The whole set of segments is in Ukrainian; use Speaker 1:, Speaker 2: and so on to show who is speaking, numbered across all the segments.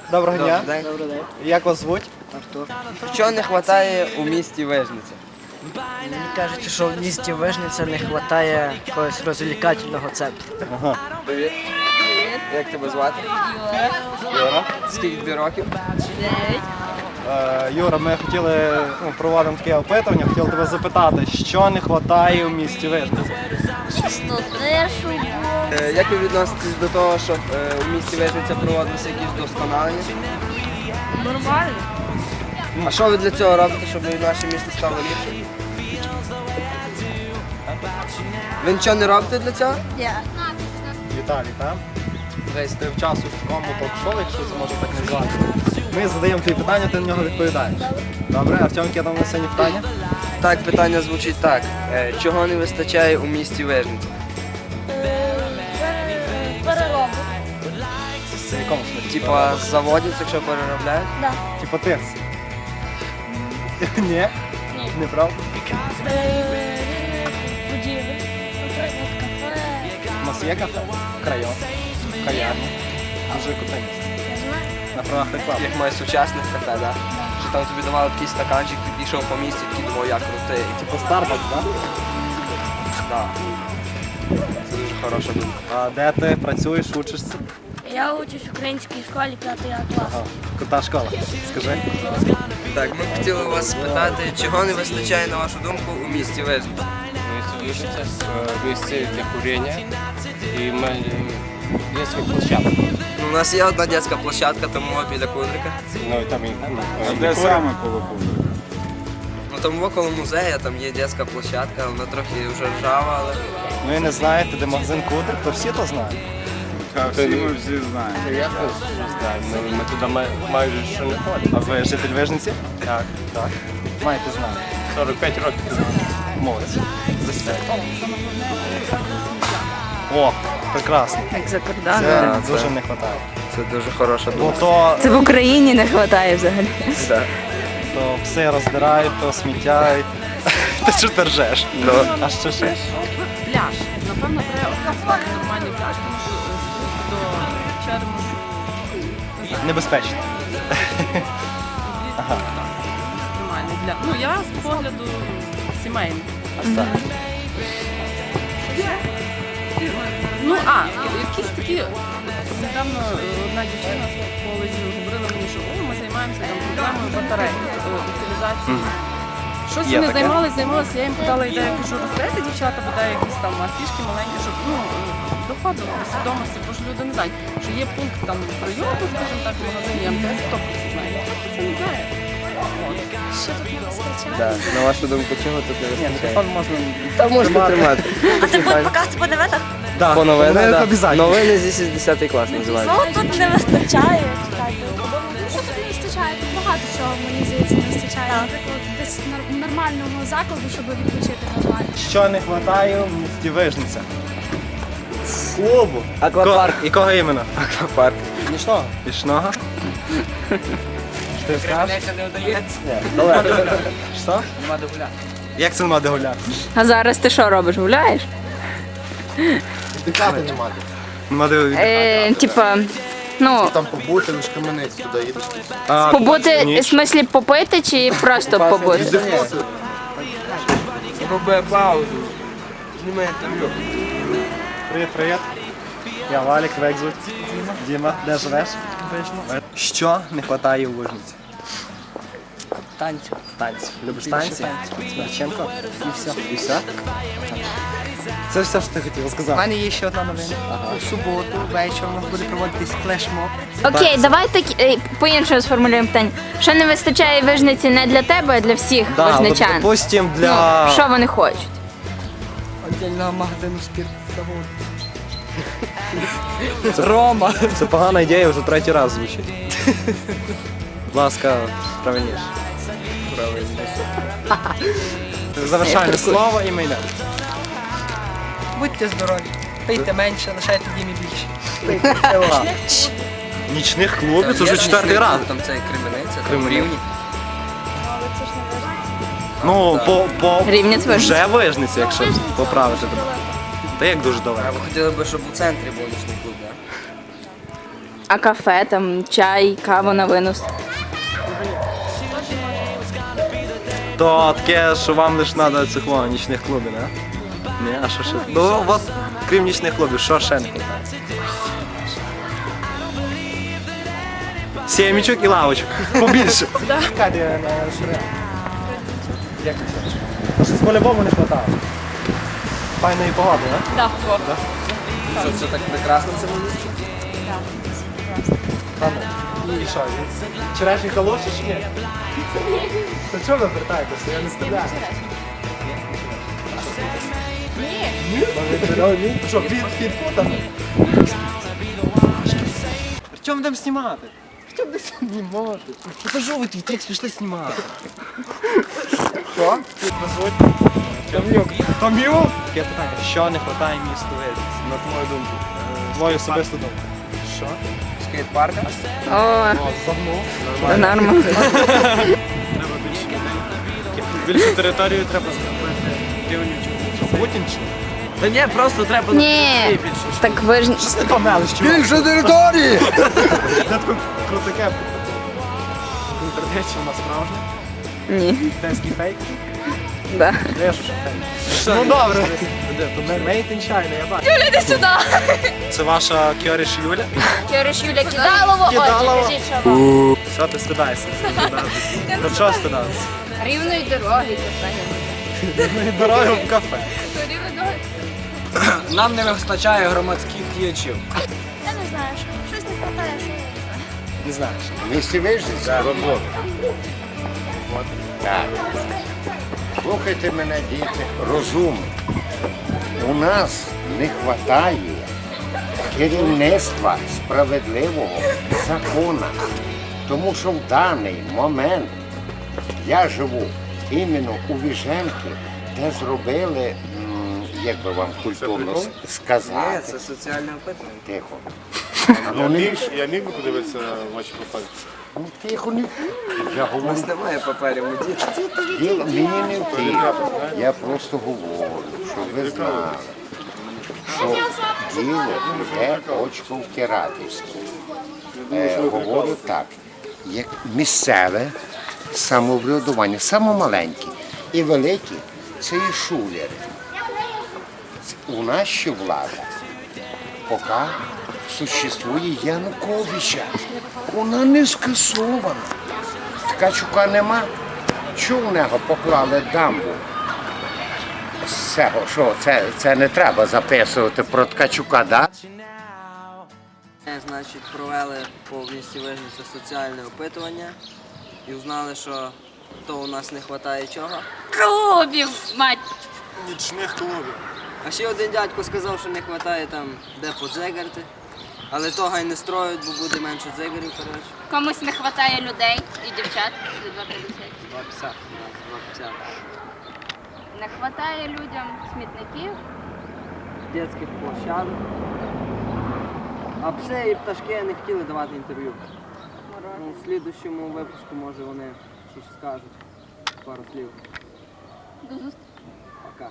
Speaker 1: Доброго дня.
Speaker 2: Добрий день.
Speaker 3: Добрий день.
Speaker 1: Як вас звуть?
Speaker 3: Артур.
Speaker 2: Що не вистачає у місті Вижниця?
Speaker 3: Мені кажуть, що в місті Вижниця не вистачає якогось розвлекательного центру.
Speaker 1: Ага.
Speaker 2: Привіт. Як тебе звати?
Speaker 1: Юра.
Speaker 2: Скільки тобі років?
Speaker 1: Юра, ми хотіли, проводимо таке опитування, хотіли тебе запитати, що не вистачає у місті Вижниця?
Speaker 4: Чистотишу.
Speaker 2: Як ви відноситесь до того, що у місті Вижниця проводилися якісь вдосконалення?
Speaker 4: Нормально.
Speaker 2: А що ви для цього робите, щоб наше місто стало ліпшим? Ви нічого не робите для цього?
Speaker 1: Віталій, так? Десь ти в часу в такому ток-шоу, якщо це можна так назвати. Ми задаємо тобі питання, ти на нього відповідаєш. Добре, Артем, яке там на сьогодні питання?
Speaker 2: Так, питання звучить так. Чого не вистачає у місті Вижниця?
Speaker 4: Переробу.
Speaker 1: В якому смислі?
Speaker 2: Типа заводять, якщо переробляють?
Speaker 4: Да.
Speaker 1: Типа тирс. Ні? Неправда?
Speaker 4: Будівлі. Наприклад, кафе.
Speaker 1: У нас є кафе, крайон, кав'ярня. Дуже круте місце.
Speaker 4: Я знаю.
Speaker 1: На правах реклами.
Speaker 2: Як має сучасних кафе, да? Що там тобі давали такий стаканчик, ти пішов по місті, такий думав, як крутий.
Speaker 1: Типу Starbucks, так?
Speaker 2: Так. Це дуже хороша думка.
Speaker 1: А де ти працюєш, учишся?
Speaker 4: Я учусь в українській школі 5 клас.
Speaker 1: Ага. Крута школа. Скажи.
Speaker 2: Так, ми хотіли вас спитати, чого не вистачає, на вашу думку, у місті Вижниця?
Speaker 5: Место месте для курения и детских площадок.
Speaker 2: Ну, у нас є одна дитяча площадка, тому біля Кудрика.
Speaker 5: Ну и там и
Speaker 6: Де саме коло Кубрика?
Speaker 2: Ну там около музею, там є дитяча площадка, вона трохи вже ржава, але...
Speaker 1: Ну і не знаєте, де магазин Кудрик, то всі то знають.
Speaker 6: Та всі ми всі знаємо.
Speaker 5: я не знаю, ми туди майже що не ходимо.
Speaker 1: А ви житель Вижниці?
Speaker 5: Так,
Speaker 1: Так. Маєте знати.
Speaker 5: 45 років.
Speaker 1: Молодець. О, прекрасно.
Speaker 7: Як за
Speaker 1: Це
Speaker 7: кордоном.
Speaker 1: дуже не вистачає.
Speaker 2: Це дуже хороша
Speaker 1: Бо
Speaker 2: думка.
Speaker 1: то,
Speaker 7: Це в Україні не вистачає взагалі.
Speaker 2: Да.
Speaker 1: то пси роздирають, то сміття. Ти що ти ржеш? А що ще?
Speaker 8: Пляж. Напевно, треба організувати нормальний пляж, тому що спуск до чермошу
Speaker 1: Небезпечно.
Speaker 8: екстремальний для. Ну, я з погляду сімейний. Ну, якісь такі. Недавно одна дівчина з коледжу говорила мені, що ми займаємося там проблемою батарей, утилізацією. Щось
Speaker 1: Є
Speaker 8: вони
Speaker 1: таке.
Speaker 8: займалися, я їм подала ідею, кажу, розберете дівчата, бодай якісь там фішки маленькі, щоб доходило до свідомості, бо ж люди не знають, що є пункт там прийому, скажімо так, в магазині МТС, хто про це знає, ніхто про це не знає.
Speaker 4: Що тут не вистачає?
Speaker 2: Да. На вашу думку, чого тут не
Speaker 1: Ні,
Speaker 2: вистачає?
Speaker 1: телефон можна.
Speaker 2: Там можете тримати.
Speaker 4: А це буде показ по новинах?
Speaker 1: Да.
Speaker 2: По новинах, да.
Speaker 1: Обов'язково.
Speaker 2: Новини зі 60 клас називається.
Speaker 4: Ну, тут не вистачає. Що тут не вистачає? Тут багато чого, мені здається, не вистачає. Наприклад, десь нормального закладу, щоб відпочити нормально.
Speaker 1: Що не вистачає в місті Вижниця? Клубу.
Speaker 2: Аквапарк.
Speaker 1: Якого іменно?
Speaker 2: Аквапарк.
Speaker 1: Нічного. Пішного? Що ти скажеш?
Speaker 2: не вдається.
Speaker 1: Що?
Speaker 2: Нема де гуляти.
Speaker 1: Як це нема де гуляти?
Speaker 7: А зараз ти що робиш? Гуляєш?
Speaker 1: Нема де
Speaker 7: Типа, ну,
Speaker 6: Там побути, лише каменець туди їдеш.
Speaker 7: побути, в
Speaker 1: ніч.
Speaker 7: смислі попити чи просто побути?
Speaker 2: Роби паузу. Знімай інтерв'ю.
Speaker 1: Привіт, привіт. Я Валік, тебе як звуть? Діма, де живеш? Що не вистачає у Вижниці?
Speaker 3: Танцю.
Speaker 1: Танці. Любиш танці? Смирченко? І все. І все? Це все, що ти хотів
Speaker 3: У
Speaker 1: сказати.
Speaker 3: мене є ще одна новина. У суботу вечором у нас буде проводитись флешмоб.
Speaker 7: Окей, давай так по-іншому сформулюємо питання. Що не вистачає Вижниці не для тебе, а для всіх
Speaker 1: Да, от,
Speaker 7: вижничан?
Speaker 1: допустим,
Speaker 7: Ну,
Speaker 1: для...
Speaker 7: що вони хочуть?
Speaker 3: Отдільного магазину спиртзаводу. Рома.
Speaker 1: Це погана ідея, вже третій раз звучить. Будь ласка, правильніше. Завершальне слово і ми йдемо.
Speaker 3: Будьте здорові. Пийте менше, лишайте Дімі більше.
Speaker 1: Нічних клубів, це вже четвертий раз.
Speaker 2: Там це Кременеця, там
Speaker 1: Кременець.
Speaker 2: Рівні.
Speaker 4: Але це ж не важливо.
Speaker 1: Ну, по
Speaker 7: Рівнець Вижниця.
Speaker 1: вже Вижниця, якщо поправити тебе. Та як дуже
Speaker 2: А
Speaker 1: далеко.
Speaker 2: ви хотіли б, щоб у центрі був нічний клуб, так?
Speaker 7: А кафе, там чай, кава на винос.
Speaker 1: То таке, що вам лише треба цих нічних клубів, не? Ні, а що ще? Ну, от, крім нічних клубів, що ще не хватає? Сімічок і лавочок. Побільше. Чекайте, як це? Щось по-любому не вистачає. Файної погоди, не?
Speaker 8: Так,
Speaker 2: Що це так прекрасно в цьому місці?
Speaker 1: І що, вчорашні халоші чи ні? То чого ви вертаєтеся? Я не стріляю. Ні. Що, підку там? Артем, будемо знімати. Артем, де знімати? Покажу ви твій текст, пішли знімати. Що? Том'юк. Том'юк? Таке питання. Що не вистачає місту Вельсі, на твою думку? Твою особисту думку. Що?
Speaker 2: Скейт-парка?
Speaker 7: О,
Speaker 1: Загнув.
Speaker 7: це нормально.
Speaker 5: Більшу територію треба зробити рівнючу.
Speaker 1: Що, Путін чи?
Speaker 3: Та ні, просто треба
Speaker 7: Ні, так ви ж...
Speaker 1: Щось не помелиш, чувак.
Speaker 6: Більше території!
Speaker 1: Я таке крутаке. Інтернет, що у нас справжнє?
Speaker 7: Ні,
Speaker 1: Китайський фейк?
Speaker 7: да.
Speaker 1: Я ж фейк. Ну добре. Made in China, я бачу.
Speaker 7: Юля, іди сюди.
Speaker 1: Це ваша Кьоріш Юля?
Speaker 7: Кириш Юля Кидалова,
Speaker 1: Кидалова.
Speaker 7: отже, кажіть, що вам.
Speaker 1: Все, ти стидаєшся. До чого стидатися?
Speaker 7: Рівної дороги, кафе.
Speaker 1: Від дороги в кафе.
Speaker 7: Рівної дороги.
Speaker 3: Нам не вистачає громадських діячів.
Speaker 4: Я не знаю, щось не вистачає, що я не знаю.
Speaker 1: Не знаєш.
Speaker 6: Місті Вижниця? Робота. Так. Слухайте мене, діти, розумно. У нас не вистачає керівництва справедливого закону. Тому що в даний момент я живу іменно у Віженки, де зробили, як би вам культурно
Speaker 2: Ні,
Speaker 6: сказати,
Speaker 2: це соціальне опитування.
Speaker 6: тихо.
Speaker 5: Я міг би подивитися ваші профайлі?
Speaker 6: Ну, тихо, не. Я
Speaker 2: У
Speaker 6: говорю.
Speaker 2: нас немає паперів, ми діти.
Speaker 6: Діло мені не в тім. Я просто говорю, щоб ви знали, що діло йде очко втирательство. Говорю так, як місцеве самоврядування, саме маленьке і велике, це і шулери. У нас ще влада, поки существує Януковича. Вона не скасована. Ткачука нема. Чого в нього поклали дамбу? З цього, що це не треба записувати про Ткачука, да?
Speaker 2: Значить, провели по місті Вижниця соціальне опитування і узнали, що то у нас не вистачає чого.
Speaker 7: Клубів, мать.
Speaker 1: Нічних клубів.
Speaker 2: А ще один дядько сказав, що не вистачає там де подзигарти. Але того й не строють, бо буде менше дзигарів, коротше.
Speaker 7: Комусь не вистачає людей і дівчат за 2,50.
Speaker 2: 2,50. 2,50.
Speaker 7: Не вистачає людям смітників.
Speaker 2: Дитячих площадок. А пси і пташки не хотіли давати інтерв'ю. Ну, в слідущому випуску, може, вони щось скажуть. Пару слів.
Speaker 7: До зустрічі.
Speaker 2: Пока.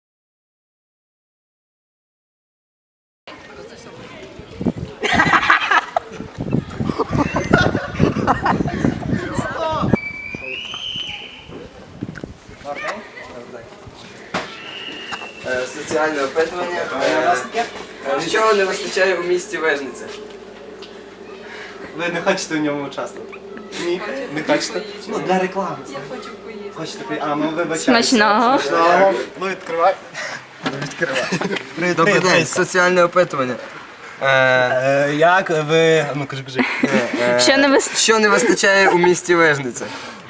Speaker 2: Соціальне опитування. Нічого не вистачає у місті Вижниця.
Speaker 1: Ви не хочете в ньому участвувати? Ні, не хочете? Ну, для реклами. Я хочу поїсти. Хочете? А, ну вибачайте.
Speaker 7: Смачного.
Speaker 1: Смачного. Ну, відкривай. Відкривай.
Speaker 2: Добрий день, соціальне опитування.
Speaker 1: Як ви... Ну, кажи.
Speaker 7: Що не вистачає?
Speaker 2: Що не вистачає у місті Вижниця?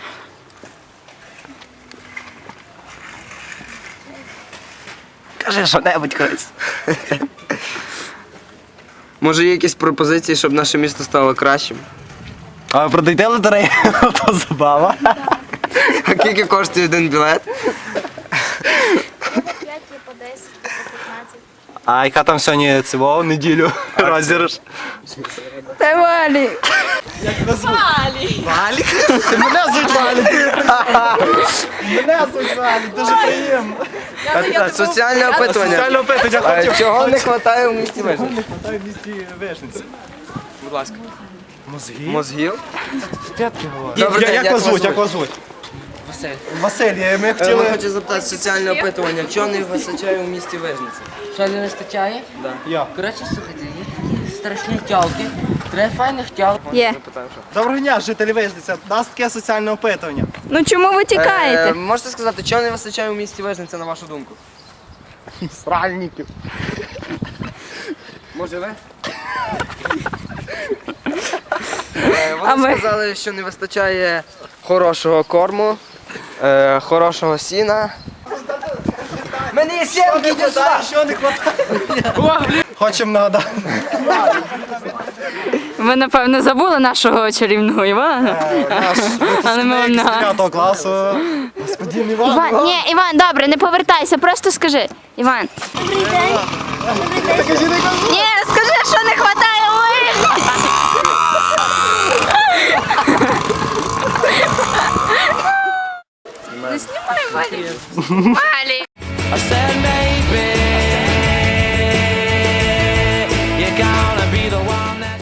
Speaker 1: Кажи що-небудь, колись.
Speaker 2: Може є якісь пропозиції, щоб наше місто стало кращим?
Speaker 1: А ви продайте лотерею? То забава.
Speaker 2: А скільки коштує один білет?
Speaker 4: 5 є по 10, по 15.
Speaker 1: А яка там сьогодні цього неділю розіграш?
Speaker 7: Та Валі.
Speaker 1: Валік? Ти мене звуть Валік. Мене звуть Валік, дуже приємно.
Speaker 2: Соціальне опитування.
Speaker 1: Соціальне опитування хотів.
Speaker 2: Чого не вистачає у місті Вижниця?
Speaker 1: Не хватає в місті Вижниці.
Speaker 2: будь ласка.
Speaker 1: Мозгів?
Speaker 2: Мозгів?
Speaker 1: Тетки говорять.
Speaker 2: Добрий день,
Speaker 1: Як вас звуть? Як вас звуть?
Speaker 2: Василь.
Speaker 1: Василь, ми
Speaker 2: Ми
Speaker 1: хотіли...
Speaker 2: хочу запитати соціальне опитування. Чого не вистачає у місті Вижниця?
Speaker 9: Що не вистачає?
Speaker 2: Да.
Speaker 1: Я.
Speaker 9: Коротше, слухайте, є такі страшні тялки. Три файних тялки.
Speaker 7: Є.
Speaker 2: Запитаю, що.
Speaker 1: Доброго дня, жителі Вижниця. У нас таке соціальне опитування.
Speaker 7: Ну чому ви тікаєте?
Speaker 2: Можете сказати, чого не вистачає у місті Вижниця, на вашу думку?
Speaker 1: Сральників.
Speaker 2: Може ви?
Speaker 7: А
Speaker 2: Вони
Speaker 7: ви?
Speaker 2: сказали, що не вистачає хорошого корму, хорошого сіна. Мене є сімки, йди сюди!
Speaker 1: Що не хватає? Хочемо нагадати.
Speaker 7: Ви, напевно, забули нашого чарівного Івана.
Speaker 1: Наш
Speaker 7: Але ми вам
Speaker 1: випускник з
Speaker 7: нагадуємо.
Speaker 1: 9 класу. Господин Іван.
Speaker 7: Іван, ні, Іван, добре, не повертайся, просто скажи. Іван. Добрий день. Ні, скажи, що не вистачає у Вижниці. Не знімай, Валі. Валі.
Speaker 10: I said maybe